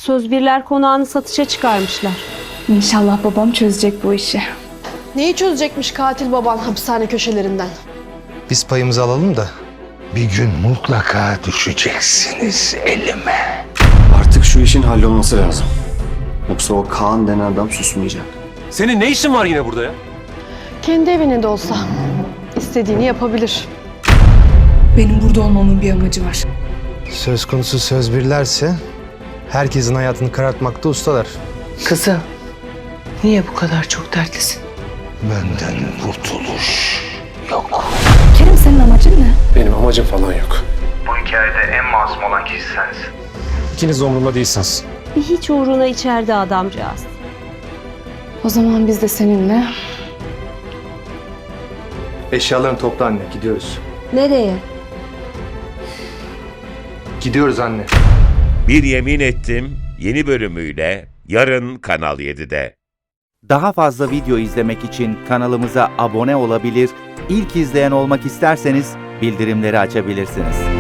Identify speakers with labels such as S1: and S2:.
S1: Sözbirler konağını satışa çıkarmışlar.
S2: İnşallah babam çözecek bu işi.
S3: Neyi çözecekmiş katil baban hapishane köşelerinden?
S4: Biz payımızı alalım da.
S5: Bir gün mutlaka düşeceksiniz elime.
S6: Artık şu işin hallolması lazım. Yoksa o Kaan denen adam susmayacak.
S7: Senin ne işin var yine burada ya?
S3: Kendi evinde de olsa istediğini yapabilir.
S2: Benim burada olmamın bir amacı var.
S4: Söz konusu Sözbirlerse herkesin hayatını karartmakta ustalar.
S8: Kızım, niye bu kadar çok dertlisin?
S5: Benden kurtuluş yok.
S2: Kerem, senin amacın ne?
S6: Benim amacım falan yok.
S9: Bu hikayede en masum olan kişi sensin.
S6: İkiniz de umurumda değilsiniz.
S1: Bir hiç uğruna içeride adamcağız.
S2: O zaman biz de seninle
S4: Eşyalarını topla anne, gidiyoruz.
S1: Nereye?
S4: Gidiyoruz anne.
S10: Bir Yemin Ettim yeni bölümüyle yarın Kanal 7'de.
S11: Daha fazla video izlemek için kanalımıza abone olabilir, ilk izleyen olmak isterseniz bildirimleri açabilirsiniz.